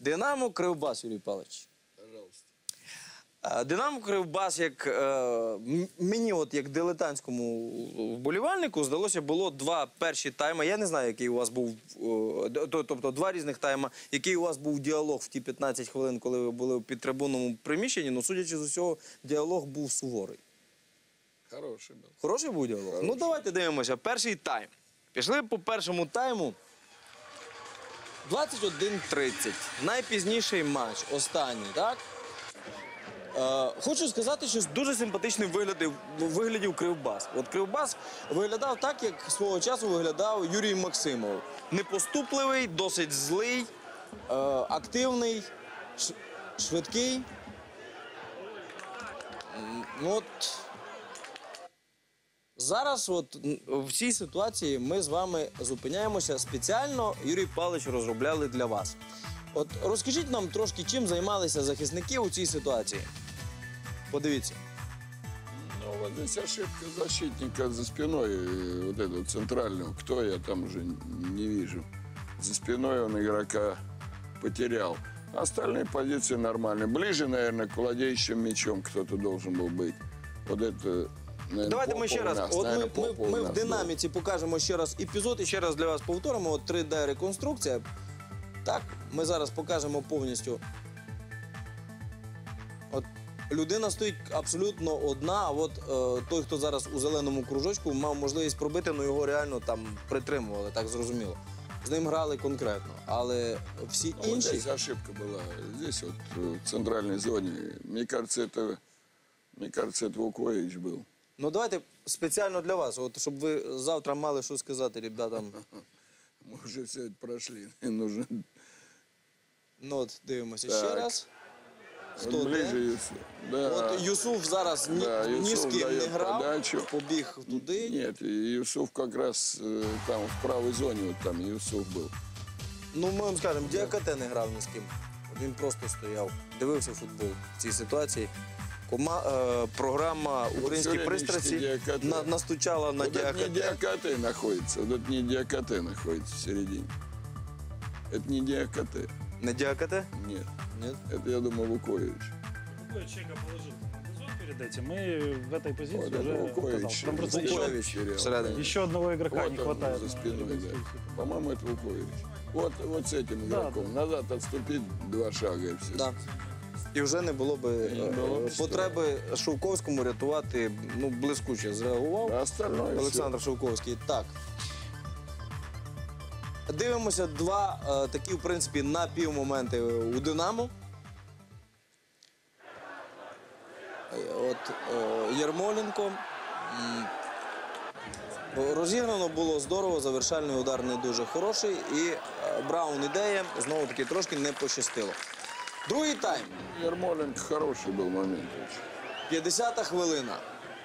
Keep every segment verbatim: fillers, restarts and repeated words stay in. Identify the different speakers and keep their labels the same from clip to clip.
Speaker 1: Динамо, Кривбас, Юрій Павлович.
Speaker 2: Пожалуйста.
Speaker 1: Динамо, Кривбас, як е, мені, от як дилетантському вболівальнику, здалося, було два перші тайми. Я не знаю, який у вас був, е, тобто два різних тайма, який у вас був діалог в ті п'ятнадцять хвилин, коли ви були в підтрибунному приміщенні. Ну, судячи з усього, діалог був суворий.
Speaker 2: Хороший був.
Speaker 1: Хороший був діалог? Хороший. Ну, давайте дивимося. Перший тайм. Пішли по першому тайму. двадцять один тридцять. Найпізніший матч. Останній, так? Е, хочу сказати, що дуже симпатичним виглядів, виглядів Кривбас. От Кривбас виглядав так, як свого часу виглядав Юрій Максимов. Непоступливий, досить злий, е, активний, ш, швидкий. От... Зараз от в цій ситуації ми з вами зупиняємося. Спеціально Юрій Павлович розробляли для вас. От розкажіть нам трошки, чим займалися захисники у цій ситуації. Подивіться.
Speaker 2: Ну, вот здесь ошибка защитника за спиной, вот этого центрального. Кто я там уже не вижу. За спиной он игрока потерял. Остальные позиции нормальные. Ближе, наверное, к владеющим мячом кто-то должен был быть. Вот это... Наверное,
Speaker 1: давайте ми ще раз.
Speaker 2: нас,
Speaker 1: От
Speaker 2: наверное,
Speaker 1: ми, ми, ми в
Speaker 2: нас,
Speaker 1: динаміці да. покажемо ще раз епізод і ще раз для вас повторимо. От три де реконструкція. Так, ми зараз покажемо повністю. От людина стоїть абсолютно одна, а от е, той, хто зараз у зеленому кружочку, мав можливість пробити, але його реально там притримували, так зрозуміло. З ним грали конкретно, але всі
Speaker 2: ну,
Speaker 1: інші...
Speaker 2: Вот здесь ошибка была. Здесь вот в центральной зоне. Мне кажется, это, мне кажется, это Вукович был.
Speaker 1: Ну давайте спеціально для вас, от, щоб ви завтра мали що сказати ребятам.
Speaker 2: Мы уже все это прошли. Нужно...
Speaker 1: Ну от, дивимося
Speaker 2: так.
Speaker 1: ще раз. Хто
Speaker 2: вот ближе
Speaker 1: де?
Speaker 2: Юсуф. Да.
Speaker 1: От Юсуф зараз ні,
Speaker 2: да,
Speaker 1: ні
Speaker 2: Юсуф
Speaker 1: з ким не
Speaker 2: дает
Speaker 1: грав,
Speaker 2: подачу.
Speaker 1: побіг туди.
Speaker 2: Нет, Юсуф как раз э, там в правой зоне, вот там Юсуф был.
Speaker 1: Ну, ми вам скажемо, Діакате не грав ні з ким. Він просто стояв, дивився футбол в цій ситуації. Кома, е, програма «Українські
Speaker 2: вот
Speaker 1: пристрасті» на, настучала на
Speaker 2: вот
Speaker 1: Діакате.
Speaker 2: это не Діакате находится, вот это не Діакате находится в середине. Это не Діакате.
Speaker 1: Не Діакате?
Speaker 2: Нет.
Speaker 1: Нет.
Speaker 2: Это, я думаю, Вукович.
Speaker 3: Вукович Чека положил зон перед этим, и в этой позиции
Speaker 2: Вот
Speaker 3: уже
Speaker 2: это Вукович.
Speaker 3: оказался. Там просто еще,
Speaker 1: Вукович всередині.
Speaker 3: еще одного игрока
Speaker 2: Вот
Speaker 3: не
Speaker 2: он
Speaker 3: хватает.
Speaker 2: за
Speaker 3: на
Speaker 2: спиной, да.
Speaker 3: реконструкцию.
Speaker 2: По-моему, это Вукович. Вот, вот с этим
Speaker 3: Да,
Speaker 2: игроком. Назад отступить два шага и все.
Speaker 1: Да. І вже не було би
Speaker 2: Не було б
Speaker 1: е, потреби Шовковському рятувати, ну, блискуче зреагував.
Speaker 2: А остальное
Speaker 1: Олександр Шовковський. Так. Дивимося два е, такі, в принципі, напівмоменти у «Динамо». Е, От е, Ярмоленко. М, Розіграно було здорово, завершальний удар не дуже хороший. І е, Браун ідея, знову-таки, трошки не пощастило. Другий тайм.
Speaker 2: Ярмоленко хороший был момент.
Speaker 1: п'ятдесята хвилина.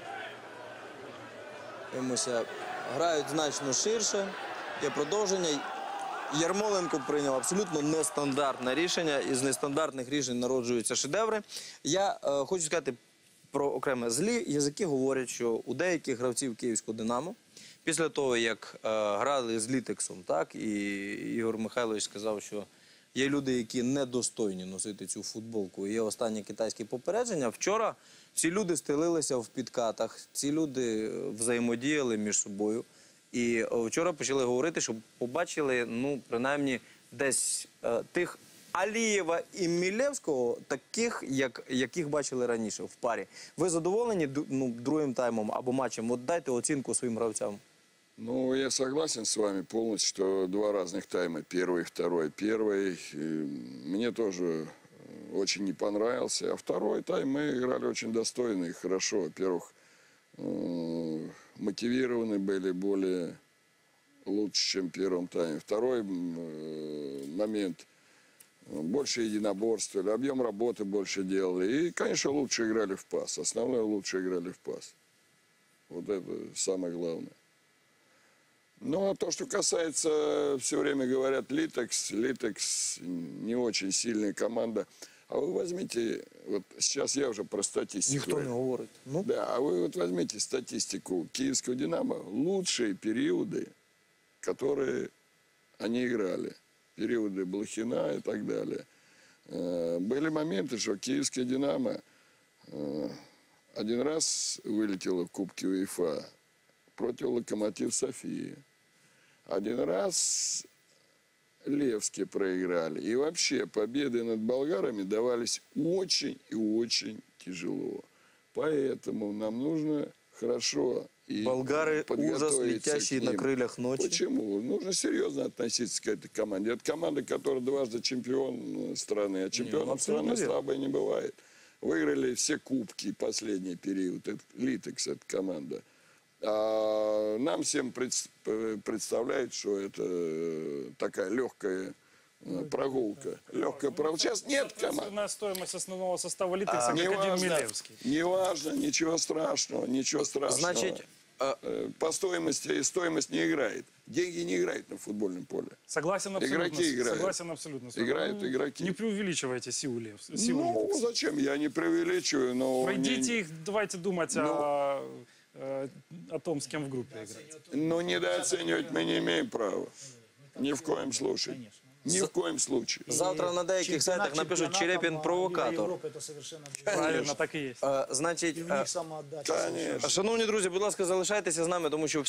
Speaker 1: Дивимося, грають значно ширше. Є продовження. Ярмоленко прийняв абсолютно нестандартне рішення. Із нестандартних рішень народжуються шедеври. Я е, хочу сказати про окреме. Злі язики говорять, що у деяких гравців київського «Динамо» після того, як е, грали з Літексом, так, і Ігор Михайлович сказав, що є люди, які недостойні носити цю футболку. Є останнє китайське попередження. Вчора ці люди стелилися в підкатах, ці люди взаємодіяли між собою. І вчора почали говорити, що побачили, ну, принаймні, десь е, тих Алієва і Мілевського, таких, як, яких бачили раніше в парі. Ви задоволені, ну, другим таймом або матчем? От дайте оцінку своїм гравцям.
Speaker 2: Ну, я согласен с вами полностью, что два разных тайма, первый и второй. Первый э, мне тоже очень не понравился, а второй тайм мы играли очень достойно и хорошо. Во-первых, э, мотивированы были более лучше, чем в первом тайме. Второй э, момент, больше единоборствовали, объем работы больше делали. И, конечно, лучше играли в пас. Основное, лучше играли в пас. Вот это самое главное. Ну, а то, что касается, все время говорят, Литекс, Литекс не очень сильная команда. А вы возьмите, вот сейчас я уже про статистику.
Speaker 1: Никто не говорит. Ну?
Speaker 2: Да, а вы вот возьмите статистику киевского «Динамо», лучшие периоды, которые они играли. Периоды Блохина и так далее. Э, Были моменты, что киевская «Динамо» э, один раз вылетела в Кубке УЕФА против «Локомотив Софии». Один раз Левски проиграли. И вообще победы над болгарами давались очень и очень тяжело. Поэтому нам нужно хорошо и
Speaker 1: Болгары ужас,
Speaker 2: подготовиться
Speaker 1: летящие
Speaker 2: к
Speaker 1: на
Speaker 2: ним.
Speaker 1: крыльях ночи.
Speaker 2: Почему? Нужно серьезно относиться к этой команде. Это команда, которая дважды чемпион страны, а чемпионом
Speaker 1: абсолютно
Speaker 2: страны
Speaker 1: верно.
Speaker 2: слабой не бывает. Выиграли все кубки последний период. Это Литекс, эта команда. А нам всем пред- представляет, что это такая легкая э, прогулка. Легкая прогулка. Сейчас нет команд.
Speaker 3: Соответственно, стоимость основного состава Литекса как
Speaker 2: Не
Speaker 3: один
Speaker 2: важно,
Speaker 3: Милевский.
Speaker 2: не важно, ничего страшного, ничего страшного.
Speaker 1: Значит, э,
Speaker 2: Э, по стоимости стоимость не играет. Деньги не играют на футбольном поле.
Speaker 3: Согласен абсолютно.
Speaker 2: Игроки играют.
Speaker 3: Согласен абсолютно. с вами.
Speaker 2: Играют
Speaker 3: Ну,
Speaker 2: игроки.
Speaker 3: Не преувеличивайте силу, Лев, силу
Speaker 2: Ну,
Speaker 3: Литекса.
Speaker 2: зачем? Я не преувеличиваю, но...
Speaker 3: Пройдите
Speaker 2: не,
Speaker 3: их, давайте думать
Speaker 2: Ну.
Speaker 3: о, э, о том, с кем в группе играть.
Speaker 2: но недооценивать мы не имеем права. Ни в коем случае. Ни в коем случае.
Speaker 1: завтра на деяких сайтах напишуть «Черепін провокатор».
Speaker 4: Это совершенно
Speaker 3: Правильно, так і є.
Speaker 1: Е, Значить,
Speaker 4: у
Speaker 1: е,
Speaker 4: них самоотдача.
Speaker 2: Конечно.
Speaker 1: шановні друзі, будь ласка, залишайтеся з нами, тому що